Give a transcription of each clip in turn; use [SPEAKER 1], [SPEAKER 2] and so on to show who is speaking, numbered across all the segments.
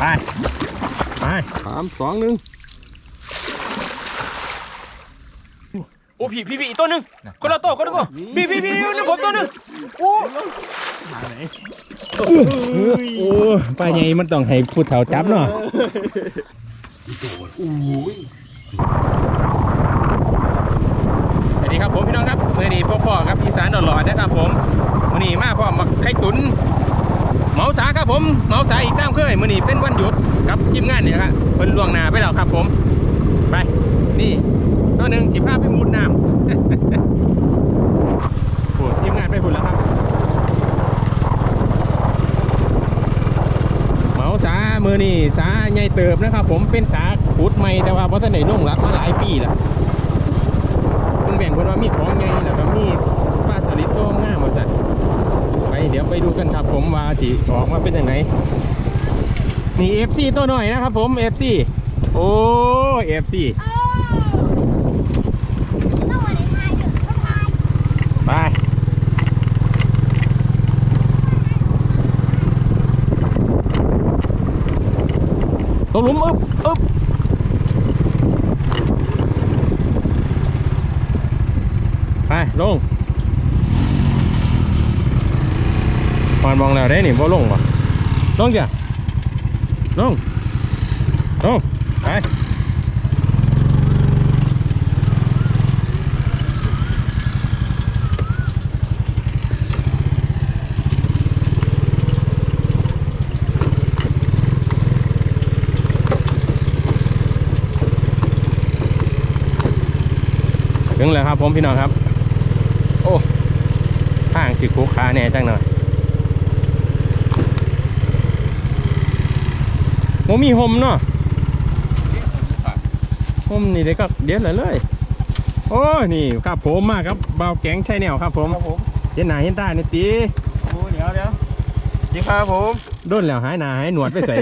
[SPEAKER 1] ไป3 2 1โอ้พี่อีกตัวหนึ่งคนละตัวพี่นี่ผมตัวหนึ่งโอ้โอ้ปลาใหญ่มันต้องให้ผู้เฒ่าจับเนาะสวัสดีครับผมพี่น้องครับเมื่อนี้พ่อครับอีสานหล่อๆนะครับผมมื่อนี้มาพ่อมาไข่ตุ๋นเหมาสาครับผมเหมาสาอีกน้ำเคยมื่อนี้เป็นวันหยุดกับทีมงานเนี่ยครับเพิ่นล่วงหน้าไปแล้วครับผมไปนี่ตัวหนึ่งขี่ผ้าไปมุดน้ำโอ้ทีมงานไปพุ่นแล้วครับเหมาสามือนี่สาใหญ่เติบนะครับผมเป็นสาขุดใหม่แต่ว่าเพราะท่านไหนนุ่งรักมาหลายปีแล้วแบ่งคนว่ามีของไงแล้วก็มีปลาสลิดตัวง่ามมาสั่นไปเดี๋ยวไปดูกันครับผมว่าที่ออกมาเป็นยังไงนี่ FC ตัวหน่อยนะครับผม FC โอ้ FC ไปตกหลุมอึ๊บไปลงมันมองแล้วได้หนิว่าลงป่ะลงจ้ะลงไปถึงแล้วครับผมพี่น้องครับโอ้ทางสิคุกขาแน่จังหน่อยโมมีห่มเนาะห่มนี่เด็กก็เด็ดเลยโอ้นี่ครับผมมากครับเบาแกงใช่แนวครับผมเห็นหน้าเห็นตาเนี่ยตี
[SPEAKER 2] โอ้เดี๋ยวดีครับผม
[SPEAKER 1] ด้นแล้วหายหน้าหายหนวดไปใส่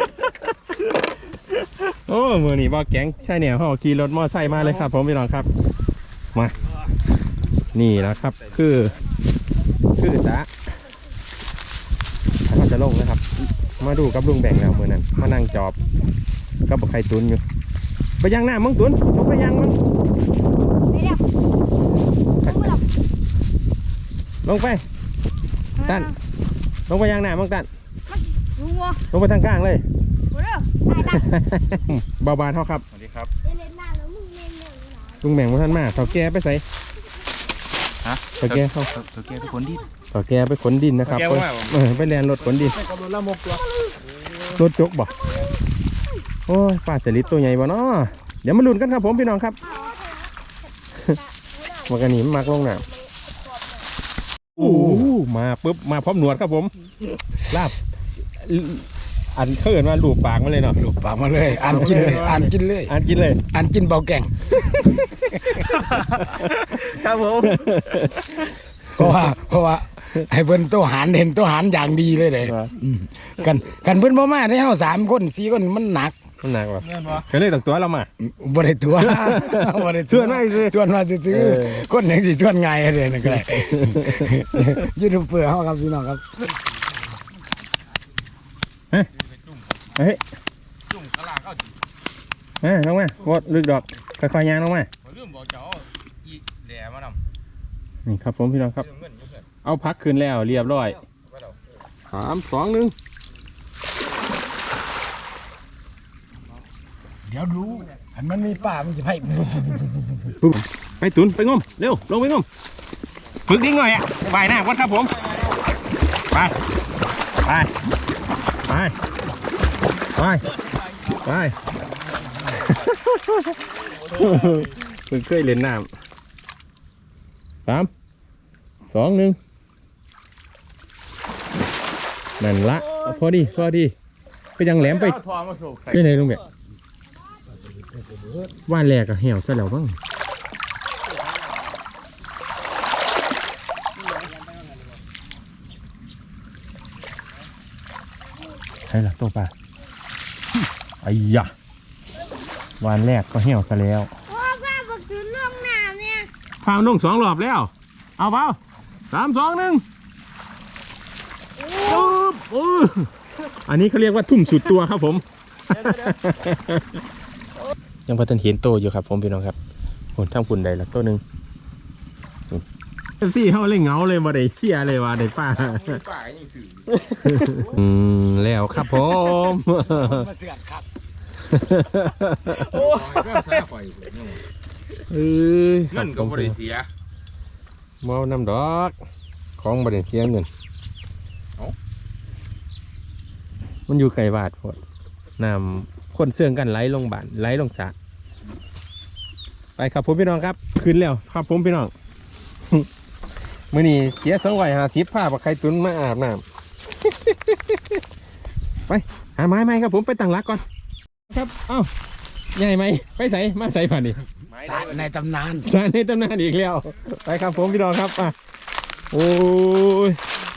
[SPEAKER 1] โอ้มือนี่เบาแกงใช่แนวเขาขี่รถมอไซค์มาเลยครับผมพี่น้องครับมานี่นะครับคือสาเขาจะลงนะครับมาดูกับลุงแบ่งแล้วมือนั้นมานั่งจอบกับไข่ตุนอยู่ไปย่างหน้ามึงตุนลงไปย่างมึงลงไปตันลงไปย่างหน้ามึงตันลงไปทางกลางเลยเบาๆเท่าครับ
[SPEAKER 2] สวัสดีครับ
[SPEAKER 1] ลุงแบ่งมาท่านมาเต่าแก่ไปใส่
[SPEAKER 2] ฮะ
[SPEAKER 1] เต่าแก่เข้า
[SPEAKER 2] เต่าแก่ไปขนดิน
[SPEAKER 1] เต่าแก่ไปขนดินนะครับไปแลนรถขนดินรถจกบ่โอ้ยปลาสลิดตัวใหญ่บ่เนาะเดี๋ยวมาลุ้นกันครับผมพี่น้องครับมากระหนิมมากลงน้ำโอ้มาปุ๊บมาพร้อมหนวดครับผมลาบอันเขินมาลูบปากมาเลยเนาะ
[SPEAKER 3] ลูบปากมาเลยอ่านกินเลยเบาแก่ง
[SPEAKER 2] ครับผม
[SPEAKER 3] เพราะว่าให้เพิ่นโตหารเห็นโตหารอย่างดีเลยกันเพิ่นบ่มาได้เฮา3 คน4 คนมันหนัก
[SPEAKER 1] ว่ะก็เลยต้องตัวเรามา
[SPEAKER 3] บ่ได้ตัว
[SPEAKER 1] ชวนมา
[SPEAKER 3] ซื้อคนยังสิชวนง่ายเลยนั่นก็ได้ยูทูบเบอร์เฮาครับพี่น้องครับ
[SPEAKER 1] เฮ้ยจุ่มกระลาเข้าลงมาโคตรลึกดอกค่อยๆย่างลงมา
[SPEAKER 2] ลืมบอกเจ้าอีแหล่มาน
[SPEAKER 1] ำนี่ครับผมพี่น้องครับเอาพักคืนแล้วเรียบร้อย3 2 1
[SPEAKER 3] เดี๋ยวดูอันมันมีป่ามันจะ
[SPEAKER 1] ไปตุนไปงมเร็วลงไปงมฝึกดิ้งหน่อยอ่ะว่ายน้ำก่อนครับผมไปเพิ่งเคยเล่นน้ำ3 2 1นั่นละพอดีไปยังแหลมไปที่ไหนลุงเบะว่านแรกอะเหี่ยวซะแล้วบ้างใช่ละตัวปลาไอ้ยะวานแรกก็เหี่ยวซะแล้ว
[SPEAKER 4] ป้าบอกถึงลงน้ำเนี่ย
[SPEAKER 1] พามันลง2 รอบแล้วเอาเปล่า3 2 1 โอ้อันนี้เขาเรียกว่าทุ่มสุดตัวครับผม ยังพอทันเห็นโตอยู่ครับผมพี่น้องครับผมทั้งปุ่นใดละตัวหนึ่งเอฟซีเขาเลยเหงาเลยมาได้เสียเลยว่าได้ป้า
[SPEAKER 2] ป่ายังสื่อ
[SPEAKER 1] แล้วครับผม
[SPEAKER 3] มาเสือกครับ
[SPEAKER 2] โอ้ก็ซาไฟ
[SPEAKER 1] เงินก็
[SPEAKER 2] บริเสีย
[SPEAKER 1] เมาน้ำดอกของบริเสียเงินมันอยู่ไกลบาทพอดน้ำคนเสื่องกันไหลลงบ้านไหลลงสระไปครับผมพี่น้องครับขึ้นแล้วครับผมพี่น้อง มื่อนี้เสีย250ผ้าปักไข่ตุนมาอาบน้ำ ไปหาไม้ไหมครับผมไปตั้งรักก่อนครับเอ้าใหญ่ไหมไปใส่มาใส่ผ่านนี่
[SPEAKER 3] สารในตำนาน
[SPEAKER 1] สารในตำนานอีกแล้วไปครับผมพี่น้องครับอ่ะโอ้ย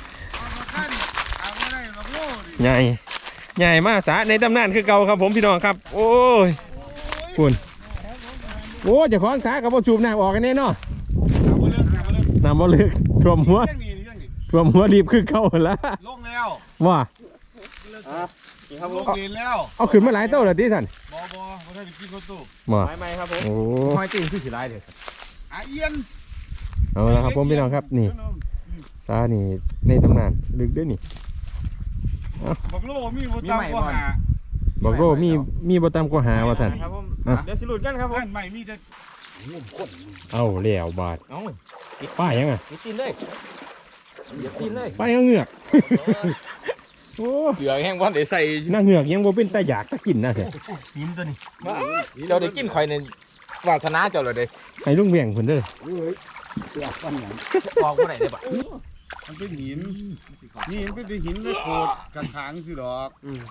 [SPEAKER 1] ใหญ่มากสารในตำนานคือเก่าครับผมพี่น้องครับโอ้ยคุณโอ้เจะของสากับพ่อจูบน้ำออกกันแน่เนาะน้ำบ่เลือกท่วมหัวรีบคือเก่าแล้ว
[SPEAKER 5] ลงแล้ว
[SPEAKER 1] ว่า
[SPEAKER 5] ลงดินแล้ว
[SPEAKER 1] เอาขึ้นมาหลายเต้าเลยที่สัน
[SPEAKER 5] บเขาได้ไปกินประตู
[SPEAKER 1] มา
[SPEAKER 2] ไม่ครับผม
[SPEAKER 1] โอ้
[SPEAKER 2] ห้อยตีนคือสีลายเลย
[SPEAKER 5] เอียน
[SPEAKER 1] เอาละครับผมพี่น้องครับนี่ซานี่ในตำนานลึกด้วยนี่
[SPEAKER 5] บอกโลมีบตามก็หา
[SPEAKER 1] บอกโลมีบ่ตามก็หาว่าท่าน
[SPEAKER 2] ครับผม
[SPEAKER 1] อ่ะ
[SPEAKER 2] เดี๋ยวสิหลุดกันครับผม
[SPEAKER 5] ท่านใหม่มีแต่
[SPEAKER 1] เอาแล้วบาท
[SPEAKER 2] เอา
[SPEAKER 1] ป้ายังอ่ะ
[SPEAKER 2] ติดตีนเลยเดี๋ยวตีนเลย
[SPEAKER 1] ป้ายังเหงือกโอ้
[SPEAKER 2] เสือแห้งวันเดี๋ยวใส่
[SPEAKER 1] หน้าเหงือกยังบ่เป็นตาอยากตะกินนะเถอะ
[SPEAKER 2] ตีนตัวนี้เจ้าได้กินข่อยในวาสนาเจ้าเลยเด้
[SPEAKER 1] ให้ลุงเวียงเพิ่นเด้อ
[SPEAKER 3] เสือกปันหยัง
[SPEAKER 2] ออกเมื่อไหร่ได้ปะ
[SPEAKER 5] มันเป็นหินนี่มันเป็นหินเลยโคตรกันทางสิดอก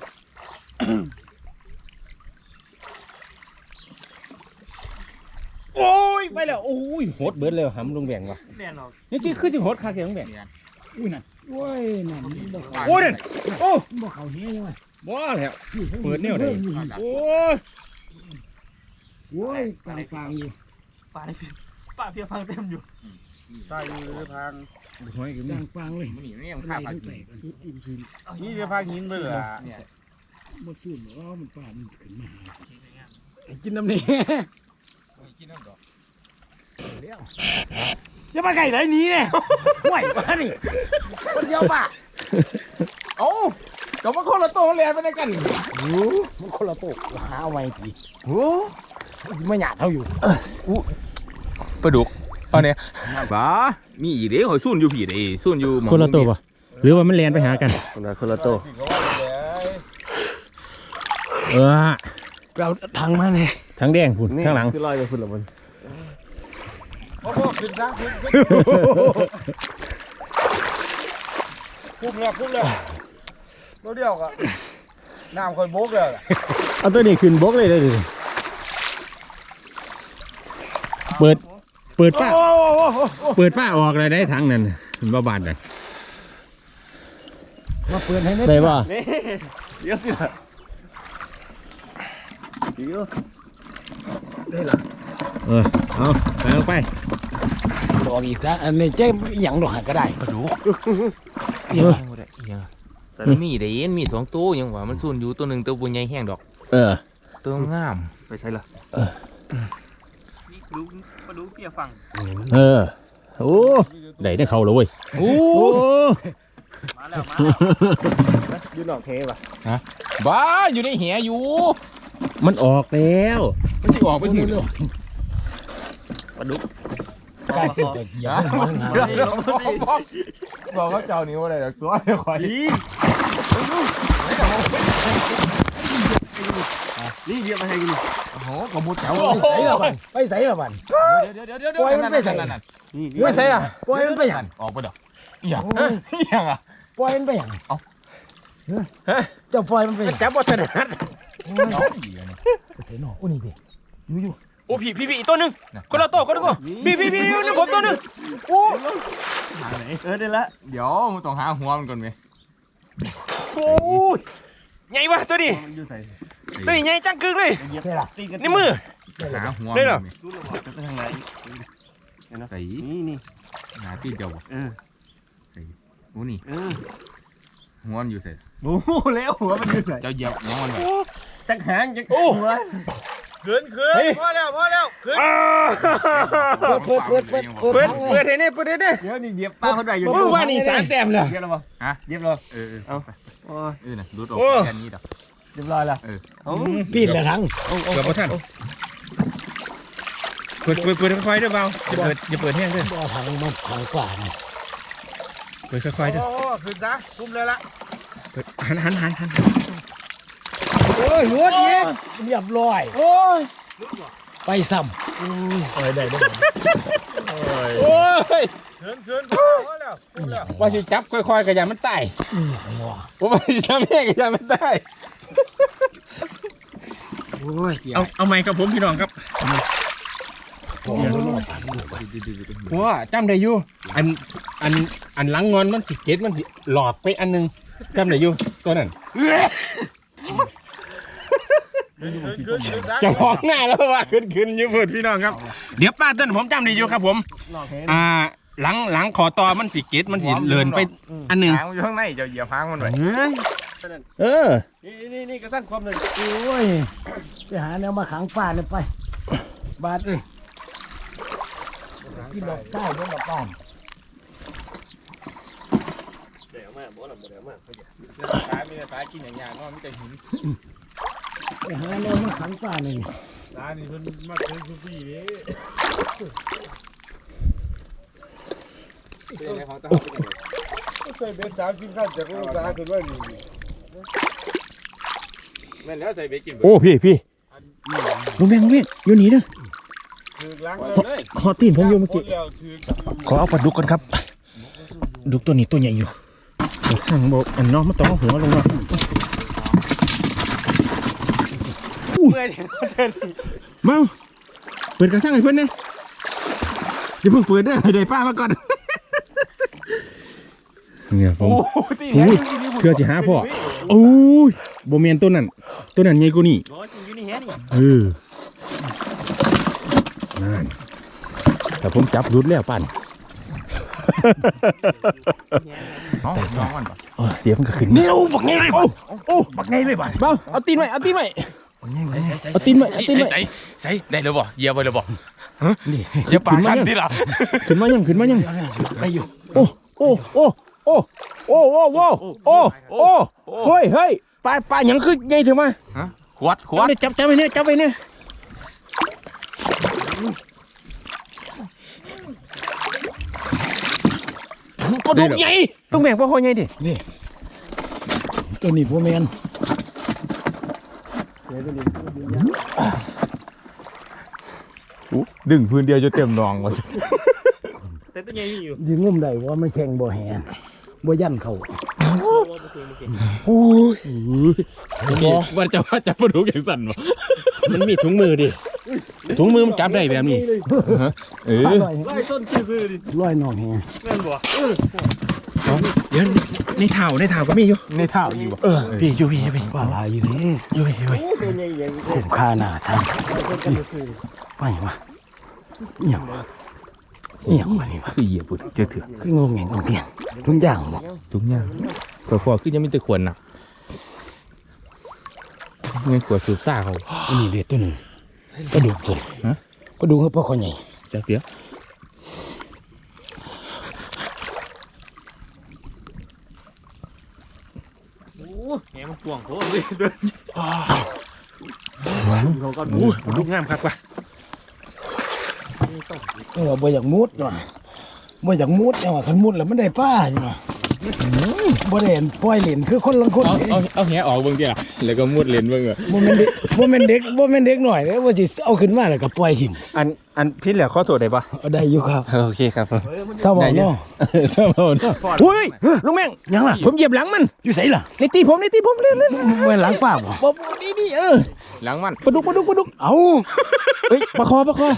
[SPEAKER 1] โอ้ยไปแล้วโอ้ยโหดเบิดเลยหำลุงเวียงว่ะ
[SPEAKER 2] แน่นอน
[SPEAKER 1] นี่ที่คือสิโหดคักแกลุงเวียง
[SPEAKER 3] อุ้ยนั่นโอ้ยนั่นบ่เขา
[SPEAKER 1] โอ้ยนั่นโอ้
[SPEAKER 3] บ่เขาเฮียยังไง
[SPEAKER 1] บ่แล้วเปิดแนวใดโอ้ย
[SPEAKER 3] โอ้ยกลางอยู่
[SPEAKER 2] ป่าเพียฟังเต็มอยู่
[SPEAKER 5] ใช่เลยทาง
[SPEAKER 3] กลางเลย
[SPEAKER 2] มันนี่มันยัง
[SPEAKER 3] ไล่
[SPEAKER 2] ข้า
[SPEAKER 3] ตั้งแต่กันอิ่มชิน
[SPEAKER 5] นี่จะพาหินไปเหรอ
[SPEAKER 2] เนี่ย
[SPEAKER 3] บ่สู้หรอมันป่านมันขึ้นมากินน้ำนี่
[SPEAKER 2] กินน้ำดอก
[SPEAKER 3] จะมาไก่ไหนนี้เนี่ยห่วยมานี่คนเดียวป่ะ
[SPEAKER 2] เอ้าเจ้ามาคนละโตแลนไปได้กัน
[SPEAKER 3] โอ้มันคนละโต๊ะหาเอาไว้ทีโอ้ไม่หยาดเท่าอยู่
[SPEAKER 2] ปลาดุกเอาเนี่ยบ้ามีอีเด้หอยสุ่นอยู่ผีเด้สุ่นอยู่
[SPEAKER 1] คนละตัวป่ะหรือว่ามันแลนไปหากันคนละตัวเออ
[SPEAKER 3] เราทางมาเลย
[SPEAKER 1] ทั้งแดงพุ่นข้างหลัง
[SPEAKER 2] คือลอยไปพุ่นละมัน
[SPEAKER 5] โอ้โหขึ้นทางขึ้นคุ้มแล้วตัวเดียวก็น้ำคอยโบกเลย
[SPEAKER 1] เอาตัวนี้ขึ้นบกเลยเลยเปิดป้าออกเลยได้ทั้งนั้นมันบ้าบานเลย
[SPEAKER 3] มาเปิดให้
[SPEAKER 1] ได้ป่ะ
[SPEAKER 5] เดี๋ยวสิล่ะ
[SPEAKER 1] เออเอาใส่ลงไป
[SPEAKER 3] บอกอีกซะอันนี้เจ๊หยังดอกก็ได้
[SPEAKER 2] ปลาดุก
[SPEAKER 3] เอียง
[SPEAKER 2] แต่มีเด้มี2ตัวยังว่ามันสุ่นอยู่ตัวหนึ่งตัวบุญใหญ่แห้งดอก
[SPEAKER 1] เออ
[SPEAKER 2] ตัวงามไปใช่ละ
[SPEAKER 1] เออโอ้ได้เขาเลยเว้ย
[SPEAKER 2] โอ้
[SPEAKER 1] โอ้
[SPEAKER 5] ยืนหลอกเทป่ะ
[SPEAKER 2] บ้าอยู่ในแหอยู่
[SPEAKER 1] มันออกแล้ว
[SPEAKER 2] มันจะออกไปที่
[SPEAKER 3] เร็ว
[SPEAKER 1] ปลาดุก
[SPEAKER 3] ใกล้ติดเด็กยามันหา
[SPEAKER 2] บอกเขาเจ้านิ้วอะไรตัวเดี๋ยวคอย
[SPEAKER 5] นี่เดี๋ยวมาให้กิน
[SPEAKER 2] โอ้โหกระมุดเจ้า
[SPEAKER 3] ไปใส่ละบัน
[SPEAKER 2] เดี๋ยวไม่ใช่อ่ะ
[SPEAKER 3] ปล่อยมันไปหยัง
[SPEAKER 2] ออกไปดอกอย่างอย่างอ่ะ
[SPEAKER 3] ปล่อยมันไปหยัง
[SPEAKER 2] เอ้า
[SPEAKER 3] เจ้าปล่อยมันไปหยัง
[SPEAKER 1] จับบ่ถนัด
[SPEAKER 3] เสียหนออุ้นี่ดิ
[SPEAKER 1] โอ้พี่อีกตัวหนึงคนละตัวพี่นี่ผมตัวหนึงโอ้
[SPEAKER 5] ได้ละ
[SPEAKER 2] เดี๋ยวมึงต้องหาหัวมันก่อนไหม
[SPEAKER 1] โหใหญ่วะตัวนี้
[SPEAKER 5] มันอยู่ใส่
[SPEAKER 1] ตัวนี้ใหญ่จังกึกเลย
[SPEAKER 3] เสียละ
[SPEAKER 5] ตีกัน
[SPEAKER 1] ในมือ
[SPEAKER 2] หาหัว
[SPEAKER 1] ได้เหรอ
[SPEAKER 5] รู้หรือเปล่าจะไปทางไหน
[SPEAKER 2] ใส่
[SPEAKER 5] นี่
[SPEAKER 2] หาตีนเจ้า
[SPEAKER 5] เออ
[SPEAKER 2] โอ้นี่หัวมันอยู่ใส่
[SPEAKER 1] โอ้โหแล้วหัวมันอยู่ใส่
[SPEAKER 2] เจ้าเหยียบน้องมันแบบ
[SPEAKER 1] จักหางจักโอ้หัว
[SPEAKER 5] ขืนพอแล้วขืน
[SPEAKER 3] เปิด
[SPEAKER 1] เปิดให้เนี่ยเปิดให้เนี่ย
[SPEAKER 5] เดี๋ยวนี่เหยียบป้าเขาได้อยู่
[SPEAKER 1] โอ้ว่านี่3 แต้มเลย
[SPEAKER 5] เหยียบแล้วบ่
[SPEAKER 2] ฮะ
[SPEAKER 5] เหยียบแล้ว
[SPEAKER 2] เอาน่ะดูดออกแค่นี้ดอก
[SPEAKER 5] เรียบร้อยแล้ว
[SPEAKER 3] ปีนละทั้ง
[SPEAKER 1] เกือบพอท่านเปิดค่อยๆด้วยเบาอย่าเปิดแห้งด้วย
[SPEAKER 3] บ่ถังมันถังกว่านี่
[SPEAKER 1] เปิดค่อยๆด้วย
[SPEAKER 5] โอ้ขืนซะคุมเลยละ
[SPEAKER 1] เปิดหัน
[SPEAKER 3] โอ้ยรวดเองเรียบร้อยโอ้ยไปซ้ำ
[SPEAKER 1] โอ้ย
[SPEAKER 5] ขืนพอแล้วคุมแล้ว
[SPEAKER 1] ว่าสิจับค่อยๆกระยามันตายผมว่าสิจับแห้งกระยามันตาย
[SPEAKER 3] โอ้ย
[SPEAKER 1] เอาไม้ครับผมพี่น้องครับ
[SPEAKER 3] โอ้ย
[SPEAKER 1] ว้าจำได้อยู่อันหลังงอนมันสิเก็ดมันสิหลอดไปอันนึงจำได้อยู่ตัวนั้น
[SPEAKER 5] ขืนซะ
[SPEAKER 1] จะมองหน้าแล้วว่าขึ้นอยู่เพื่อนพี่น้องครับเดี๋ยวป้าต้นผมจำได้อยู่ครับผมหลังขอตอมันสิเก็ดมันสิเลินไปอันนึง
[SPEAKER 2] หางอยู่ข้างในเจ้าเหยียบหางมันไว้
[SPEAKER 1] เออ
[SPEAKER 5] นี่กระสั้นความหนึ่ง
[SPEAKER 3] โอ้ยไปหาแนวมาขังป่าเลยไปบาดเลยกินดอกใต้ด้วยดอกป้อม
[SPEAKER 2] สายมีแต่สายกินอย่างยานอนมีแต่หิน
[SPEAKER 3] ไปหาแนวมาขังป่านี่
[SPEAKER 5] ร้านนี้เพิ่นมาเป็นซูฟี่นี่ใส่เบ็ด3 4ขั้นจากโรงงานขึ้นว่านี่
[SPEAKER 2] แม่นแล้วใส่เบกิน
[SPEAKER 1] โอ้พี่ลุงแบงเว้ยอยู่นี่เด้อ
[SPEAKER 5] ถือล้างเลย
[SPEAKER 1] ฮอตตีนผมอยู่เมื่อกี้
[SPEAKER 5] แล้วถือ
[SPEAKER 1] ขอเอาปลาดุกกันครับดุกตัวนี้ตัวใหญ่อยู่เดี๋ยวสั่งบอกอันน้องมันต้องเอาหัวลงมาเมาเปิดกระสังให้เพื่อนเนี่ยอย่าเพิ่งเปิดได้ให้ได้ป้ามาก่อนเนี่ยผมเพื่อจะหาพ่อโอ้ยโบเมียนตัวนั้นใหญ่กว่านี้นั่นแต่ผมจับรุดแล้วปั่น
[SPEAKER 2] น้องมันปะ
[SPEAKER 1] เดี๋ยวมันก็ขึ้นเร็วบักไงเลยโอ้บักไงเลยบ้านเบาเอาตีนไว้เอาตีนไว้เอาตีนไว้
[SPEAKER 2] ใส่ได้เลยบ่เหยียบไปเลยบ่
[SPEAKER 1] นี่
[SPEAKER 2] เหยียบปากฉันที่หลัง
[SPEAKER 1] ขึ้นมายัง
[SPEAKER 3] ไปอยู่
[SPEAKER 1] โอ้เฮ้ยปลาหยังคือใหญ่ถึงมา
[SPEAKER 2] ขวด
[SPEAKER 1] จับไปเนี่ยปลาดุกใหญ่ต้องแบ่งปลาคอใหญ่ดิ
[SPEAKER 3] นี่ตัวนี้พวกแมน
[SPEAKER 2] ดึงพื้นเดียวจะเต็มนองวะ
[SPEAKER 1] แต่ตัวใหญ่อยู่
[SPEAKER 3] ยิงงุ่มได้ว่ามันแข่งบ่แหนบ่ยันเขา
[SPEAKER 1] โอ้ยว่าจะปลาดุกอย่างสั่นวะมันมีถุงมือดิถุงมือมันจับได้แบบนี้
[SPEAKER 3] ลอยต้นซื่อๆดิลอยนอกแหง
[SPEAKER 1] เดี๋ยวในเท้าก็มีอยู่
[SPEAKER 2] ในเท้าอยู่
[SPEAKER 1] พี่อยู่
[SPEAKER 3] ปลาลายอยู่นี่
[SPEAKER 1] อยู่
[SPEAKER 3] คุ้มค่าหน้าท่านไปมาเหี่ยวมานี่วะ
[SPEAKER 2] คือเหยียบปุ๊บเจอเถื่อน
[SPEAKER 3] คืองงแงงงเงียงทุกอย่างบอก
[SPEAKER 2] ทุกอย่างพอคือยังไม่ตะขวนนะเงินขวดสูบซ่าเขา
[SPEAKER 3] อันนี้เด็ดตัวหนึ่งกระดูกตัวกระดูกเขาพ่อเขาใหญ่
[SPEAKER 2] จะเปียก
[SPEAKER 1] แหมันกวางโคตรเลยลูกงามครับว่ะ
[SPEAKER 3] บ่อยากมุดเนาะบ่อยากมุดเนาะคันมุดแล้วมันได้ป้าใช่ไหมบ่ได้ปล่อยเล่นคือคนลังคน
[SPEAKER 2] เอาแหออกเบิ่งดิล่ะแล้วก็มุดเลนเบิ่ง
[SPEAKER 3] บ่แม่นเด็กหน่อยเด้ว่าสิเอาขึ้นมาแล้วก็ปล่อยทิ่ม
[SPEAKER 1] อันพี่เหลือข้อโทษได้ปะ
[SPEAKER 3] เอาได้อยู่ครับ
[SPEAKER 1] โอเคครับผม
[SPEAKER 3] เศร้าบ่เนาะ
[SPEAKER 1] เศร้าเนาะอุ้ยลุงแม่ง
[SPEAKER 3] ยังล่ะ
[SPEAKER 1] ผมเหยียบหลังมัน
[SPEAKER 3] อยู่ไสล่ะ
[SPEAKER 1] ในตีผมเล่น
[SPEAKER 3] บ่หลังป้าบ่
[SPEAKER 1] บ่นี่
[SPEAKER 2] หลังมัน
[SPEAKER 1] ปลาดุก
[SPEAKER 3] เอ้า
[SPEAKER 1] เฮ้ยปลาคอ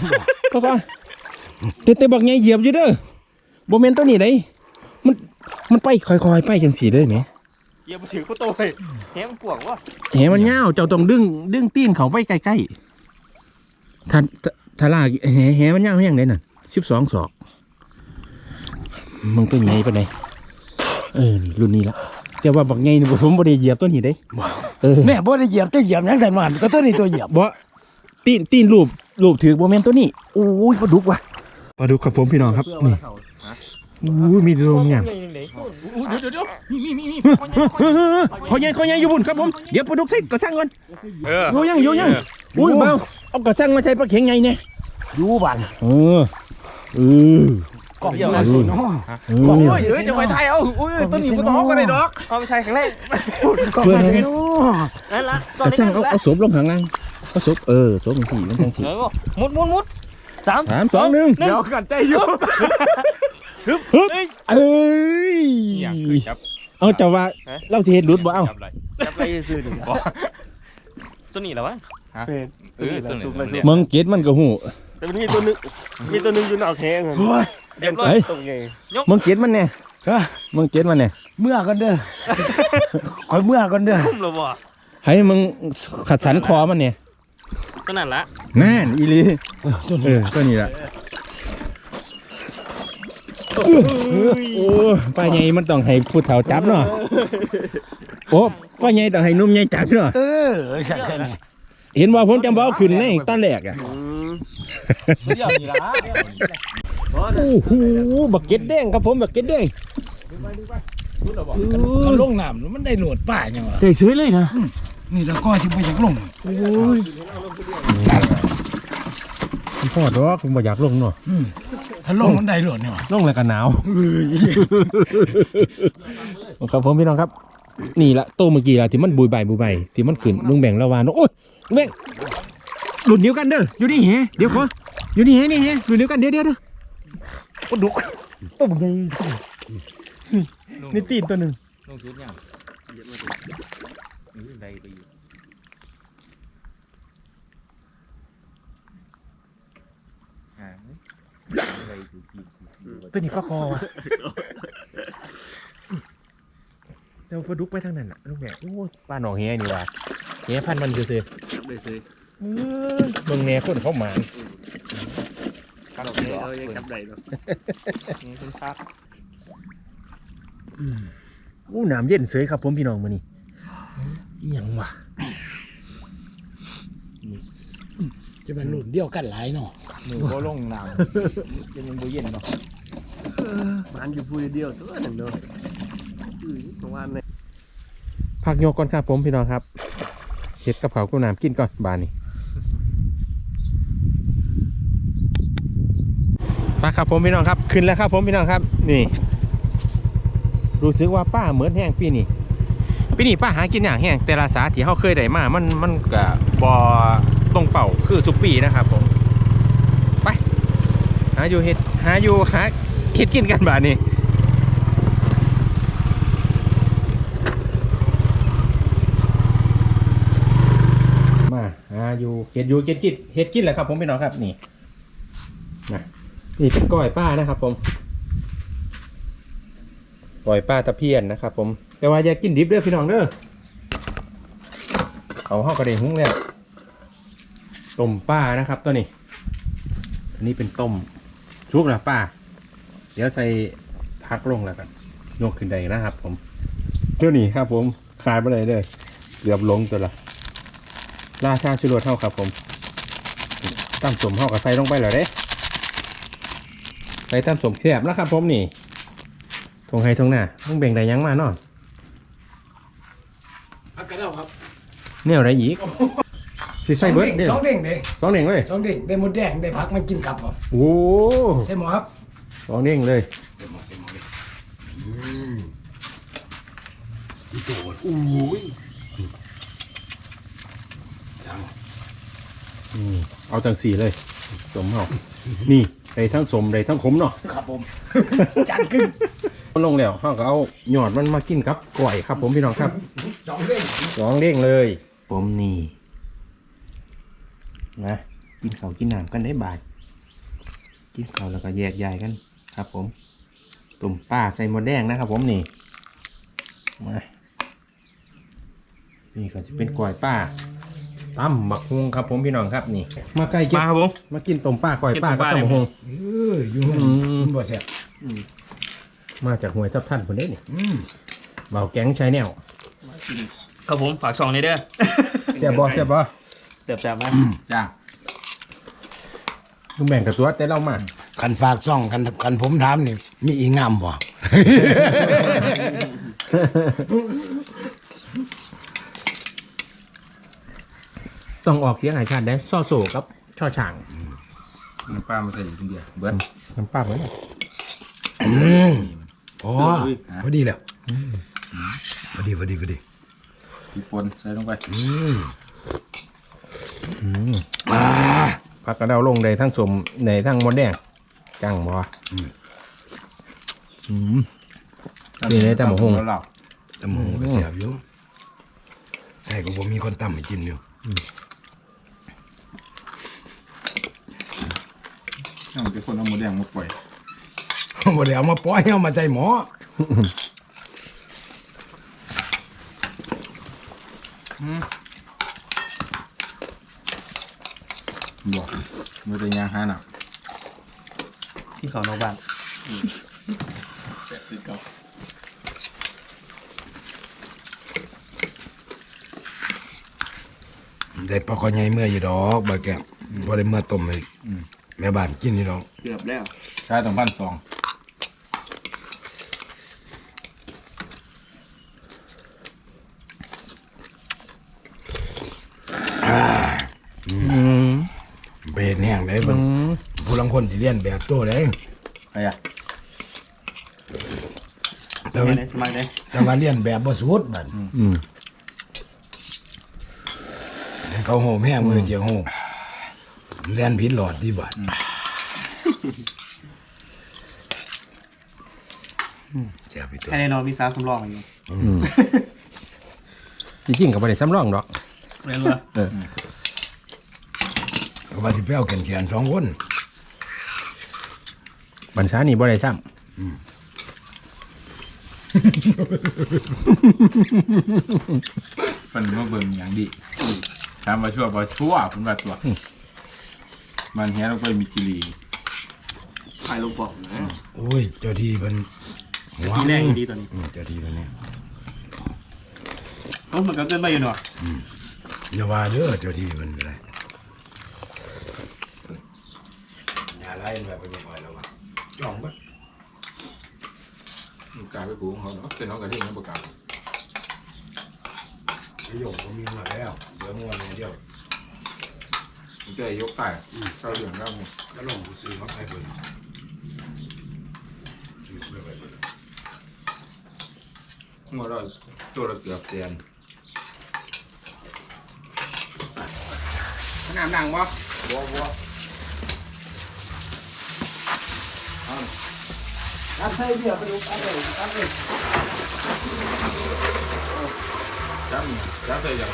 [SPEAKER 1] แต่บักไงเหยียบอยู่เด้อบ่แม่นตัวนี้ได้มันไปค่อยๆไปจังซี่เด้อแหม
[SPEAKER 2] เหยียบถือกูโตเลยแหมันปวกวะ
[SPEAKER 1] แหมันยาวเจ้าต้องดึงตีนเขาไปใกล้ๆถ้าลากแหมันยาวแฮงได้นั่น12 ศอกมึงตัวใหญ่ปานใดนี่รุ่นนี้ละแต่ว่าบักไงนี่ผมบ่ได้เหยียบตัวนี้เด้
[SPEAKER 3] แม่บ่ได้เหยียบจะเหยียบหยังใส่มันก็ตัวนี้ตัวเหยียบ
[SPEAKER 1] บ่ตีนรูปถือบ่แม่นตัวนี้โอ้ยปลาดุกว่ะปลาดุกครับผมพี่น้องครับนี่อู้มีตัวงาม
[SPEAKER 2] เดี๋ยวมี
[SPEAKER 1] เขาใหญ่อยู่บุญครับผมเดี๋ยวปลาดุกใส่กระชังก่อน
[SPEAKER 2] โย
[SPEAKER 1] โยยังอุ้ยเบาเอากระชังมาใส่ปลาเข็งไงเนี่ย
[SPEAKER 3] อยู่บ้าน
[SPEAKER 1] เออก
[SPEAKER 3] ล้องอยู่ไหนสิเนาะ
[SPEAKER 2] โอ้ยจะไปไทยเอาอุ้ยต้นนี้บ่ต้องก็ได้ดอกเอาไปไทยครั้งแรก
[SPEAKER 1] เพื่อนเลย
[SPEAKER 2] นั่นละ
[SPEAKER 1] กระชังเอาศพลงข้างล่างเอาศพศพมันถี่มันจังถี่
[SPEAKER 2] มุด3
[SPEAKER 1] 3 2 1
[SPEAKER 2] เดี๋ยวกันใจอยู่
[SPEAKER 1] ฮึบเอ้ยเอาจะว่าเราสิเฮ็ดหลุดบ่เอา
[SPEAKER 2] จับไรซื่อดิตัวนี้เหรอวะตัวนี้
[SPEAKER 1] มึงเก็ดมันก็ฮู้
[SPEAKER 5] แต่มีตัวนึงอยู่นอกแข้ง
[SPEAKER 2] เรียบร้อย
[SPEAKER 5] ตรงไง
[SPEAKER 1] มึงเก็ดมันแน่
[SPEAKER 3] ฮะ
[SPEAKER 1] มึงเก็ดมันแน่
[SPEAKER 3] เมื่อก่อนเด้อคอยเมื่อก่อนเด้อ
[SPEAKER 2] คุ้มหรอบ่
[SPEAKER 1] ให้มึงขัดสันคอมันเนี่ย
[SPEAKER 2] ก็นั่นละ
[SPEAKER 1] นั่นอีหลีตัวนี้ล่ะโอ้ป้าใหญ่มันต้องให้ผู้เฒ่าจับเนาะโอ้ป้าใหญ่ต้องให้หนุ่มใหญ่จับเนาะ
[SPEAKER 3] ใช่ไง
[SPEAKER 1] เห็นว่าผมจำว่าเอาขึ้นในตอนแรกอ่ะ
[SPEAKER 2] เดี๋ยวนี่ละ
[SPEAKER 1] โอ้โหบักเก็ตแดงครับผมบักเก็ตแดง
[SPEAKER 3] เอาลงน้ำมันได้โหลดป้ายังวะ
[SPEAKER 1] ได้ซื้อเลยนะ
[SPEAKER 3] นี่แล้วก็ที่ไปจากลง
[SPEAKER 1] โอ้ยพ่อดอกผมบ่อยากลงเนาะ
[SPEAKER 3] ถ้าลงมันได้โหลดเนี่ยวะ
[SPEAKER 1] ลงแล้วก็หนาวครับผมพี่น้องครับ นี่ละโตเมื่อกี้ละที่มันบุยใบที่มันขึ้นลุงแบ่งละวานโอ้ยลุงแบ่งหลุดเดียวกันเด้ออยู่นี่แฮเดี๋ยวขออยู่นี่แฮนี่แฮหลุดเดียวกันเดี๋ยวปลาดุกตัวใหญ่นี่ตีนตัวหนึ่ง
[SPEAKER 2] ลงชุดยังใดไปอยู่
[SPEAKER 1] ตัวนี้ก็คอวะเดี๋ยวปลาดุกไปทางนั้นน่ะลุงแบ่งโอ้ปลาหนองแฮนี่ว่ะแฮพันมันซื่อๆ
[SPEAKER 2] ได้ซื้อ
[SPEAKER 1] เมืองแน่คนเข้ามา
[SPEAKER 2] ครับเรายังจับได้เนาะนี่คุณครับ
[SPEAKER 1] อู้น้ำเย็นเสยครับผมพี่น้องมื้อนี้อิหยังวะ
[SPEAKER 3] จะเป็นรุ่นเดียวกันหลายเนาะ
[SPEAKER 2] มือก็ลงน้ำยังบ่เย็นเนาะ
[SPEAKER 5] มันอยู่พูดเดียวตัวนึงเนาะประมาณนี้
[SPEAKER 1] พักโยกก่อนครับผมพี่น้องครับเฮ็ดกับข้าวกับน้ำกินก่อนบานนี้มาครับผมพี่น้องครับขึ้นแล้วครับผมพี่น้องครับนี่รู้สึกว่าป้าเหมือนแห้งปีนี้ป้าหากินอย่างแห้งแต่ละสาที่เขาเคยได้มามันก็บ่ตรงเป่าคือทุกปีนะครับผมไปหาเฮ็ดกินกันบาดนี้มาหาเฮ็ดกินแหละครับผมพี่น้องครับนี่นะนี่เป็นก้อยป้านะครับผมก้อยป้าตะเพียนนะครับผมแต่ว่าอย่ากินดิบเด้อพี่น้องเด้อเขาห่อกระเด้งหุ้งแล้วต้มป้านะครับตัวนี้อันนี้เป็นต้มชุบนะป้าเดี๋ยวใส่พักลงแล้วกันโยกขึ้นได้นะครับผมเท่านี้ครับผมคลายไปเลยเด้อเกือบลงตัวละราชาชุรสเท่าครับผมตั้มสมห่อกับใส่ลงไปเลยเด้ใส่ตั้มสมแคบแล้วครับผมนี่ทงไฮทงหน้าต้องแบ่งได้ยังมาเนาะ
[SPEAKER 3] พักกันแล้วครับ
[SPEAKER 1] เนี่ยอะไรอีกสิใส่เบิร์ดเด้อ
[SPEAKER 3] สองเด้งเด้
[SPEAKER 1] สองเด้งเลย
[SPEAKER 3] สองเด้งได้หมดแดงได้พักมากินกับครับ
[SPEAKER 1] โอ้
[SPEAKER 3] ใช่หมอครับ
[SPEAKER 1] สองเด้งเลย
[SPEAKER 3] ใช่หมอเลยอีโตนอุ้ย
[SPEAKER 1] เอาจังสี่เลยสมเอานี่ได้ทั้งสมได้ทั้งขมเนาะ
[SPEAKER 3] ครับผมจานกึ่ง
[SPEAKER 1] ลงแล้วเขาก็เอาหยอดมันมากินกับก๋วยครับผมพี่น้องครับ
[SPEAKER 3] สองเด้ง
[SPEAKER 1] สองเด้งเลยผมนี่นะกินข้าวกินน้ำกันได้บ่ายกินข้าวแล้วก็แยกย้ายกันครับผมตุ่มป้าใส่หมดแดงนะครับผมนี่มานี่ก็จะเป็นก๋วยป้าตั้มบักฮวงครับผมพี่น้องครับนี่มาใกล้กิน
[SPEAKER 2] มาครับผม
[SPEAKER 1] มากินต้มป้าก๋วยป้ากับต้มบักฮวง
[SPEAKER 3] อยู่มันบ่แซ่บ
[SPEAKER 1] มาจากหวยทับท่านคนนี้นี่เบาแก๊งใช้แนว
[SPEAKER 6] ครับผมฝากช่องนี้เด้อ
[SPEAKER 1] เสียบบ่เสียบบ่
[SPEAKER 6] เสียบๆไหม
[SPEAKER 2] จ้า
[SPEAKER 1] ลุงแบ่งกับตัวแต่เรามา
[SPEAKER 3] คันฝากซ่องคันผมถามนี่มีอีงามบ่
[SPEAKER 1] ต้องออกเสียงหายชาติได้ซ่อโศกับช่อช่าง
[SPEAKER 2] น้ำปลามาใส่อยู่คนเดียวเบิร์ด
[SPEAKER 1] น้ำปลาเหมือนกัน
[SPEAKER 3] พอดีแล้วพอดี
[SPEAKER 2] พริกป่นใส่ลงไป
[SPEAKER 1] ผักกระเดาลงในทั้งสมในทั้งมดแดงจังบ่นี่เลยแต่หมูหง
[SPEAKER 2] แล้วเรา
[SPEAKER 3] ตำหงก็เสียบอยู่แต่ก็บ่มีคนตำให้กินอยู่
[SPEAKER 2] ถ้ามันเป็นคนเอาหมูแดงมาปล่อย
[SPEAKER 3] บ่ได้เอามาปล่อยเอามาใส่หม้อ
[SPEAKER 2] บอกมันจะยางหาหนัก
[SPEAKER 6] ที่เขานอกบ้าน
[SPEAKER 3] ได้ปลาคอใหญ่เมื่ออยู่ดอกบ่แก้วบ่ได้เมื่อต้มให้แม่บ้านกินนี่ดอก
[SPEAKER 6] เกือบแล้ว
[SPEAKER 2] ใช้ต้อง1,200
[SPEAKER 3] ไปเฮ็ดแห้งได้เบิ่งผู้ลางคนสิเรียนแบบโตได้
[SPEAKER 2] ใครอ่ะ
[SPEAKER 3] แต่ว่า
[SPEAKER 6] สมัยไหน
[SPEAKER 3] แต่ว่าเรียนแบบบ่สุดบัดให้เขาโหมแห้งมือเจียวโหมเรียนผิดหลอดที่บัดเสียไปตัว
[SPEAKER 6] แค่ในนอนมีสาวสำรองอยู่
[SPEAKER 1] จริงๆกับบ่ได้ซ้ำรองดอก
[SPEAKER 6] เรียนว่า
[SPEAKER 3] ก็ว่าสิไปเอาแขนๆ2คน
[SPEAKER 1] บัญชานี่บ่ได้ซ้
[SPEAKER 2] เป็นมาเบิ่งอย่างดีถามว่าชั่วบ่ชั่วเป็นว่าตัวมันแห้ลงไปมีจิรี
[SPEAKER 6] ถ่ายลงปอกนะ
[SPEAKER 3] โอ้ยเจ้าที่เพิ่นหัว
[SPEAKER 6] ทีแรกดีตัวนี้
[SPEAKER 3] เจ้าที่เพิ่นเนี่ย
[SPEAKER 6] มันก็เกินไปอยู่เนาะ
[SPEAKER 3] อย่าว่าเด้อเจ้าที่เพิ่นก็ได้อย่าไล่แบบเป็นยังไงแล้ววะจ้องเบิด
[SPEAKER 2] มันกลายไปกูของเขาเนาะเป็นน้องกระดิ่งน้ำประกาศ
[SPEAKER 3] ประโยคก็มีมาแล้วเดี๋ยวงัวเนี่ยเดียว
[SPEAKER 2] มันจะยกไก่เศร้าเหลืองแล้วมึง
[SPEAKER 3] ก็ลงผู้ซื้อมาให้เพิ่นซื้อเพื่อไปเพิ่น
[SPEAKER 2] หัวเราตัวละเกือบเตียน
[SPEAKER 1] ำน้ำดังบ่
[SPEAKER 3] อันใส่เบี้ยไปดูอันเลยอันเลย
[SPEAKER 2] จ้ำใส่ยัง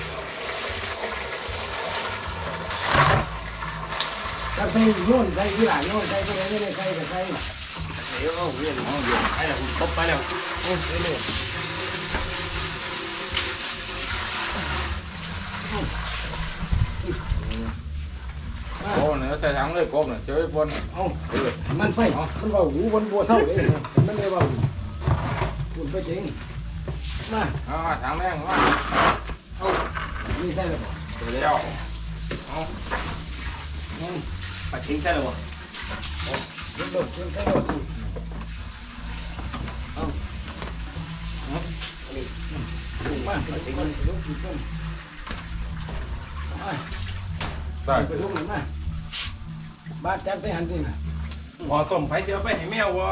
[SPEAKER 3] ถ้าใส่โน่นใส่ที่หลังโน่นใส่ตรงนี้ไม่ได้ใส่ก็ใส่
[SPEAKER 6] เดี๋ยวเอาเรียนเอาเรียนไปแล้วคุณครบไปแล้วโอ้ยเรื่อย
[SPEAKER 2] โอ้เนี่ยใส่ถังเลยกบเนี่ยเจอไอ้ปน
[SPEAKER 3] เอามันไปมันว่าหูบนบัวเศร้าเลยมันเลยว่าพูดไปจริงมา
[SPEAKER 2] เอามาถังแรงมา
[SPEAKER 3] นี่ใส่แล้วบ่
[SPEAKER 2] เดี๋ยวแล้ว
[SPEAKER 6] ๆปัดทิ้งใช่หรอวะ
[SPEAKER 3] รถรถใส่รถมาไปถึงมันลุกขึ้นต้น
[SPEAKER 2] ใส่
[SPEAKER 3] ไปลุกหนึ่งมาบ้านจับได้หันสิน่ะ
[SPEAKER 1] พอต้มไผเสียไปให้แมวบ่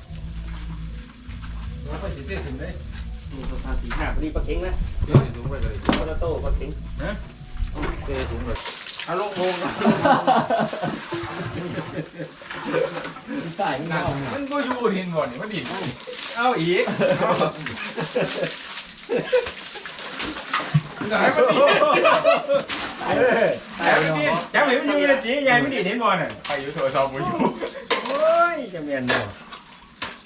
[SPEAKER 1] ว่าไปสิเสียถึงได้
[SPEAKER 6] นี่ตัวทาสีหน้าพอดีปัดทิ้งนะ
[SPEAKER 2] เดี๋ยวถุงไปเลย
[SPEAKER 6] โคตรโต้ปัดทิ้ง
[SPEAKER 2] เจอถุงเลย
[SPEAKER 1] เอาลงโพง
[SPEAKER 3] ใต้มันเอา
[SPEAKER 2] มันก็อยู่เห็นบ่นี่มันดิน
[SPEAKER 1] เอาอีก
[SPEAKER 2] มันจะให้มันดิน
[SPEAKER 1] แต่มันดีจับให้มันอยู่ในจีใหญ่ไม่ดีเห็นบ่น่ะ
[SPEAKER 2] ใครอยู่โทรศัพท์กูอยู่
[SPEAKER 1] โอ้ยจะแม่นบ่